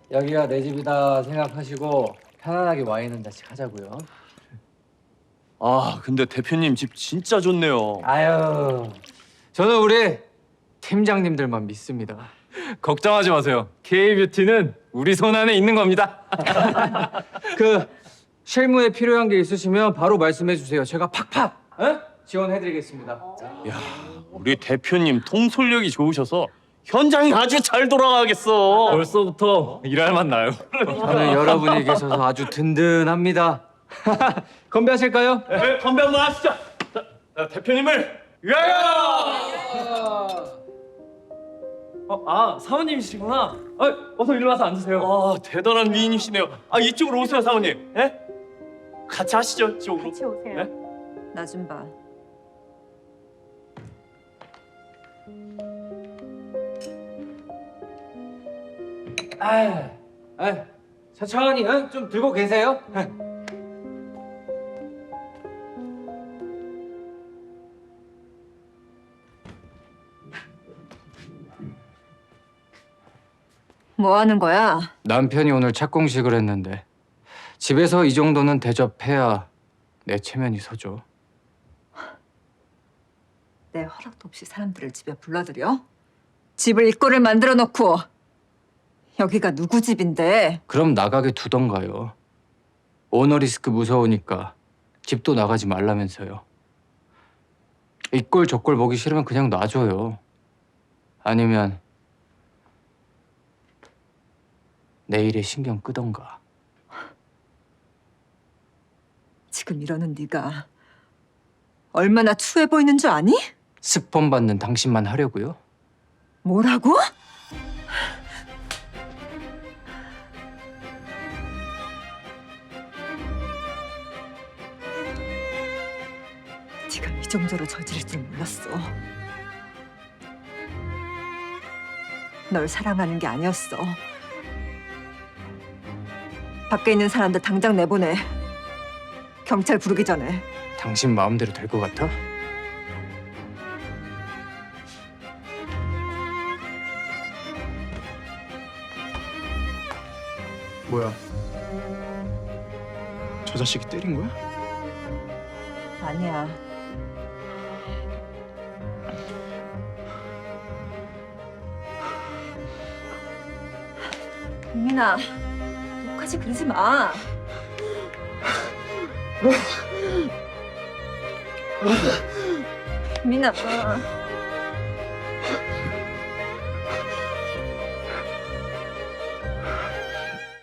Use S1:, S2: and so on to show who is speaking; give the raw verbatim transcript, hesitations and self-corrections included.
S1: 여기가 내 집이다 생각하시고 편안하게 와인 한 잔씩 하자고요.
S2: 아, 근데 대표님 집 진짜 좋네요.
S1: 아유, 저는 우리 팀장님들만 믿습니다.
S2: 걱정하지 마세요. K뷰티는 우리 손 안에 있는 겁니다.
S1: 그 실무에 필요한 게 있으시면 바로 말씀해 주세요. 제가 팍팍 에? 지원해드리겠습니다.
S2: 야, 우리 대표님 통솔력이 좋으셔서 현장이 아주 잘 돌아가겠어. 벌써부터 일할 맛 나요.
S1: 저는 여러분이 계셔서 아주 든든합니다. 건배하실까요?
S2: 네, 건배 한번 하시죠. 자, 자, 대표님을 위하여! 어, 아, 사모님이시구나. 아, 어서 일로 와서 앉으세요. 아, 대단한 미인이시네요. 아, 이쪽으로 오세요, 사모님. 예? 같이 하시죠, 이쪽으로.
S3: 같이 오세요.
S2: 네?
S3: 나 좀 봐.
S1: 아, 아, 천천히 어? 좀 들고 계세요.
S3: 뭐 하는 거야?
S1: 남편이 오늘 착공식을 했는데 집에서 이 정도는 대접해야 내 체면이 서죠.
S3: 내 허락도 없이 사람들을 집에 불러들여? 집을 입구를 만들어 놓고 여기가 누구 집인데?
S1: 그럼 나가게 두던가요. 오너 리스크 무서우니까 집도 나가지 말라면서요. 이 꼴 저 꼴 보기 싫으면 그냥 놔줘요. 아니면 내일에 신경 끄던가.
S3: 지금 이러는 네가 얼마나 추해 보이는 줄 아니?
S1: 스폰 받는 당신만 하려고요?
S3: 뭐라고? 네가 이 정도로 저지를 줄 몰랐어. 널 사랑하는 게 아니었어. 밖에 있는 사람들 당장 내보내. 경찰 부르기 전에.
S1: 당신 마음대로 될 것 같아?
S4: 뭐야? 저 자식이 때린 거야?
S3: 아니야. 민아, 너까지 그러지 마. 민아.